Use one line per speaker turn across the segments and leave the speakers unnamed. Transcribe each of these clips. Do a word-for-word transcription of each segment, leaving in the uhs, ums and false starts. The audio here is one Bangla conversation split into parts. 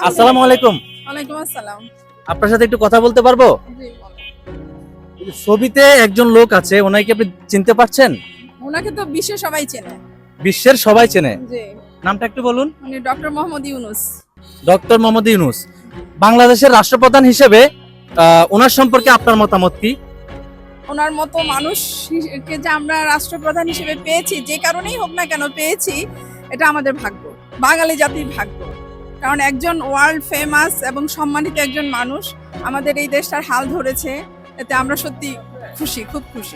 আসসালামু আলাইকুম।
ওয়ালাইকুম আসসালাম।
আপনার সাথে একটু কথা বলতে পারবো?
জি বলেন।
এই যে ছবিতে একজন লোক আছে, ওনাকে কি আপনি চিনতে পারছেন?
ওনাকে তো বিশ্বে সবাই চেনে।
বিশ্বের সবাই চেনে।
জি।
নামটা একটু বলুন।
উনি ডক্টর মোহাম্মদ ইউনুস।
ডক্টর মোহাম্মদ ইউনুস। বাংলাদেশের রাষ্ট্রপ্রধান হিসেবে আহ, ওনার সম্পর্কে আপনার মতামত কি?
ওনার মতো মানুষকে যে আমরা রাষ্ট্রপ্রধান হিসেবে পেয়েছি, যে কারণেই হোক না কেন পেয়েছি, এটা আমাদের ভাগ্য, বাঙালি জাতির ভাগ্য। কারণ একজন ওয়ার্ল্ড ফেমাস এবং সম্মানিত একজন মানুষ আমাদের এই দেশটার হাল ধরেছে, এতে আমরা সত্যি খুশি, খুব খুশি।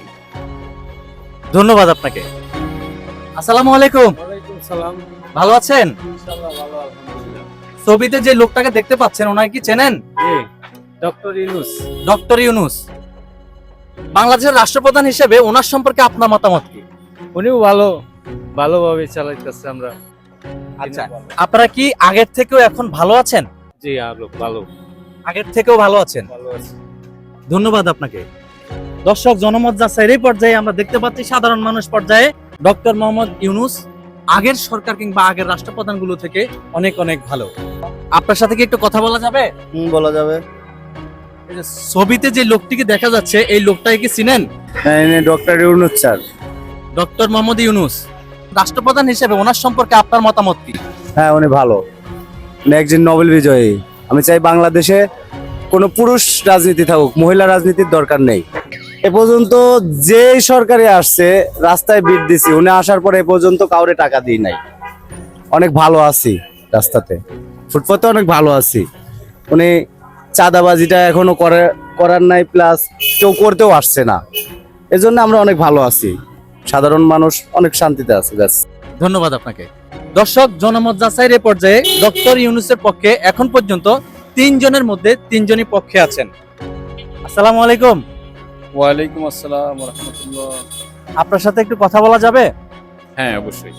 ধন্যবাদ আপনাকে। আসসালামু আলাইকুম।
ওয়ালাইকুম সালাম।
ভালো আছেন?
ইনশাআল্লাহ ভালো, আলহামদুলিল্লাহ।
ছবিতে যে লোকটাকে দেখতে পাচ্ছেন, ওনাকে কি চেনেন?
জি, ডক্টর ইউনুস।
ডক্টর ইউনুস। বাংলাদেশের রাষ্ট্রপ্রধান হিসেবে ওনার সম্পর্কে আপনার মতামত কি?
উনিও ভালো, ভালোভাবে চালাইতেছে আমরা।
আচ্ছা, আপনারা কি আগের থেকেও এখন ভালো আছেন?
জি, আলো ভালো,
আগের থেকেও ভালো আছেন।
ভালো আছে।
ধন্যবাদ আপনাকে। দর্শক, জনমত যাচাইয়ের এই পর্যায়ে আমরা দেখতে পাচ্ছি সাধারণ মানুষ পর্যায়ে ডক্টর মোহাম্মদ ইউনুস আগের সরকার কিংবা আগের রাষ্ট্রপ্রধানগুলো থেকে অনেক অনেক ভালো। আপনার সাথে কি একটু কথা বলা যাবে?
হুম, বলা যাবে।
এই যে ছবিতে যে লোকটিকে দেখা যাচ্ছে, এই লোকটাকে কি চিনেন?
হ্যাঁ, ইনি doctor Yunus sir.
Doctor Mohammad Yunus রাষ্ট্রপ্রধান হিসেবে ওনার সম্পর্কে আপনার মতামত কি?
হ্যাঁ, উনি ভালো, উনি একজন নোবেল বিজয়ী। আমি চাই বাংলাদেশে কোনো পুরুষ রাজনীতি থাকুক, মহিলা রাজনীতির দরকার নেই। এ পর্যন্ত যে সরকারে আসছে রাস্তায় বিট দিছি, উনি আসার পরে এ পর্যন্ত কাউরে টাকা দিই নাই। অনেক ভালো আছি রাস্তাতে, ফুটপাতে অনেক ভালো আছি। উনি চাঁদাবাজিটা এখনো করে করার নাই, প্লাস কেউ করতেও আসছে না। এজন্য আমরা অনেক ভালো আছি, সাধারণ মানুষ অনেক শান্তিতে আছে। ব্যাস।
ধন্যবাদ আপনাকে। দর্শক, জনমত যাচাইয়ের এই পর্যায়ে ডক্টর ইউনুসের পক্ষে এখন পর্যন্ত তিনজনের মধ্যে তিনজনই পক্ষে আছেন। আসসালামু আলাইকুম।
ওয়ালাইকুম আসসালাম ওয়া রাহমাতুল্লাহ।
আপনার সাথে একটু কথা বলা যাবে?
হ্যাঁ, অবশ্যই।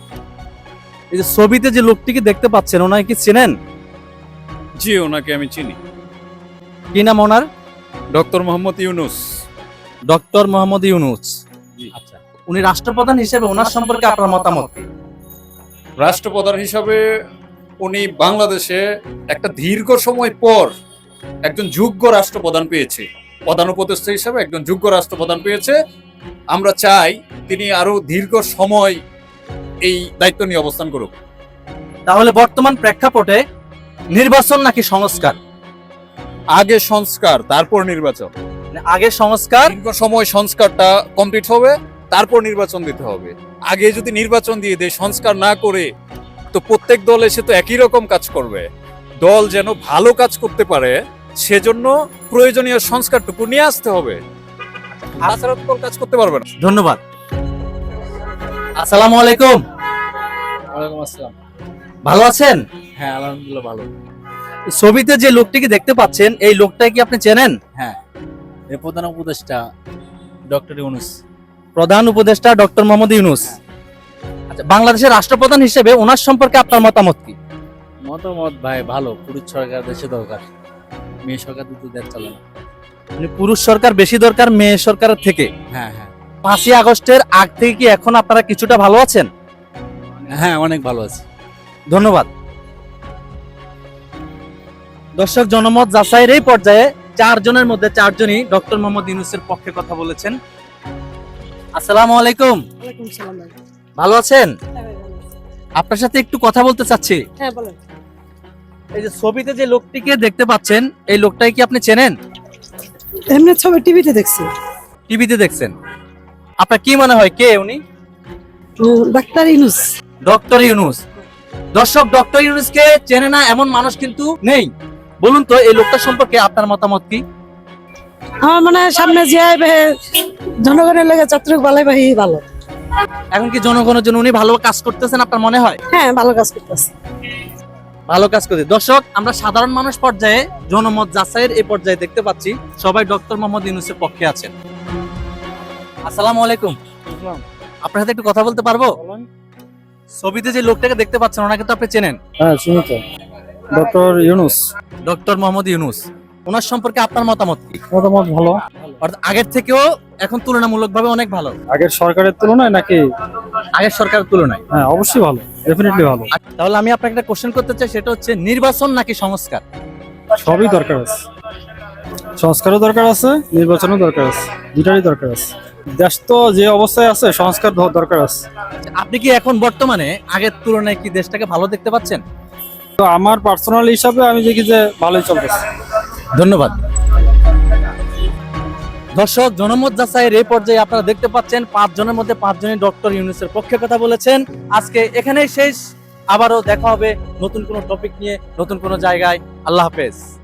এই যে ছবিতে যে লোকটিকে দেখতে পাচ্ছেন, ওনাকে কি চেনেন?
জি, ওনাকে আমি চিনি।
কি নাম ওনার?
ডক্টর মোহাম্মদ ইউনুস।
ডক্টর মোহাম্মদ ইউনুস।
জি।
আচ্ছা, উনি রাষ্ট্রপ্রধান হিসেবে ওনার সম্পর্কে আপনার মতামত কি?
রাষ্ট্রপ্রধান হিসাবে উনি বাংলাদেশে একটা দীর্ঘ সময় পর একজন যোগ্য রাষ্ট্রপ্রধান পেয়েছে, প্রধান উপদেষ্টা হিসাবে একজন যোগ্য রাষ্ট্রপ্রধান পেয়েছে। আমরা চাই তিনি আরো দীর্ঘ সময় এই দায়িত্ব নিয়ে অবস্থান করুক।
তাহলে বর্তমান প্রেক্ষাপটে নির্বাচন নাকি সংস্কার?
আগে সংস্কার, তারপর নির্বাচন।
মানে আগে সংস্কার,
দীর্ঘ সময় সংস্কারটা কমপ্লিট হবে, তারপর নির্বাচন দিতে হবে। আগে যদি নির্বাচন দিয়ে দেয়, সংস্কার না করে, তো প্রত্যেক দল এসে তো একই রকম কাজ করবে। দল যেন ভালো কাজ করতে পারে, সেজন্য প্রয়োজনীয় সংস্কারটুকু নিয়ে আসতে হবে। তাছাড়া তো দল কাজ করতে পারবে না।
ধন্যবাদ। আসসালামু আলাইকুম।
ওয়ালাইকুম আসসালাম।
ভালো আছেন?
হ্যাঁ, আলহামদুলিল্লাহ ভালো।
ছবিতে যে লোকটিকে দেখতে পাচ্ছেন, এই লোকটাকে কি আপনি চেনেন?
হ্যাঁ, এর প্রধান উপদেষ্টা ডক্টর ইউনুস।
প্রধান উপদেষ্টা ডক্টর মোহাম্মদ ইউনুস। আচ্ছা, বাংলাদেশের রাষ্ট্রপ্রধান হিসেবে ওনার সম্পর্কে আপনার মতামত কি?
মতামত ভাই ভালো, পুরুষ সরকার দেশে দরকার, মেয়ে সরকার দুটো দেশ চলে না।
মানে পুরুষ সরকার বেশি দরকার মেয়ে সরকারের থেকে।
হ্যাঁ হ্যাঁ
পাঁচই আগস্টের আগ থেকে কি এখন আপনারা কিছুটা ভালো আছেন?
হ্যাঁ, অনেক ভালো আছে।
ধন্যবাদ। দর্শক, জনমত যাচাইয়ের এই পর্যায়ে চারজনের মধ্যে চারজনই ডক্টর মোহাম্মদ ইউনুসের পক্ষে কথা বলেছেন। আসসালামু আলাইকুম।
ওয়ালাইকুম সালাম ভাই।
ভালো আছেন?
হ্যাঁ ভাই, ভালো আছি।
আপনার সাথে একটু কথা বলতে চাচ্ছি।
হ্যাঁ বলেন।
এই যে ছবিতে যে লোকটিকে দেখতে পাচ্ছেন, এই লোকটাকে কি আপনি চেনেন?
এমনি ছবি টিভিতে দেখছি।
টিভিতে দেখছেন। আপনার কি মনে হয় কে উনি?
ডাক্তার ইউনুস।
ডক্টর ইউনুস। দর্শক, ডক্টর ইউনুসকে চেনে না এমন মানুষ কিন্তু নেই। বলুন তো, এই লোকটা সম্পর্কে আপনার মতামত কি?
আমার মনে হয় সামনে যে জনগণের লেগে চত্রক বালাই বাহি ভালো।
এখন কি জনগণের জন্য উনি ভালো কাজ করতেছেন আপনার মনে হয়?
হ্যাঁ, ভালো কাজ করতেছে।
ভালো কাজ করতে। দর্শক, আমরা সাধারণ মানুষ পর্যায়ে জনমত যাচাইয়ের এই পর্যায়ে দেখতে পাচ্ছি সবাই ডক্টর মোহাম্মদ ইউনুসের পক্ষে আছেন। আসসালামু আলাইকুম। আপনার সাথে একটু কথা বলতে পারবো? ছবিতে যে লোকটাকে দেখতে পাচ্ছেন, ওনাকে তো আপনি চেনেন?
হ্যাঁ, চিনি তো, ডক্টর ইউনুস।
ডক্টর মোহাম্মদ ইউনুস। ওনার সম্পর্কে আপনার মতামত কি?
মতামত ভালো।
অর্থাৎ আগের থেকেও এখন তুলনামূলকভাবে অনেক ভালো
আগের সরকারের তুলনায় নাকি?
আগের সরকারের তুলনায়।
হ্যাঁ, অবশ্যই ভালো, ডেফিনেটলি ভালো।
তাহলে আমি আপনাকে একটা কোশ্চেন করতে চাই, সেটা হচ্ছে নির্বাচন নাকি সংস্কার?
সবই দরকার আছে, সংস্কারও দরকার আছে, নির্বাচনও দরকার আছে, দুটারই দরকার আছে। দেশ তো যে অবস্থায় আছে, সংস্কার দ- দরকার আছে।
আপনি কি এখন বর্তমানে আগের তুলনায় কি দেশটাকে ভালো দেখতে পাচ্ছেন?
তো আমার পার্সোনাল হিসাবে আমি দেখি যে ভালোই চলতেছে।
ধন্যবাদ। দর্শক, জনমত যাচাইয়ের এই পর্যায়ে আপনারা দেখতে পাচ্ছেন পাঁচ জনের মধ্যে পাঁচ জনই ডক্টর ইউনূসের পক্ষে কথা বলেছেন। আজকে এখানেই শেষ, আবারও দেখা হবে নতুন কোনো টপিক নিয়ে, নতুন কোনো জায়গায়। আল্লাহ হাফেজ।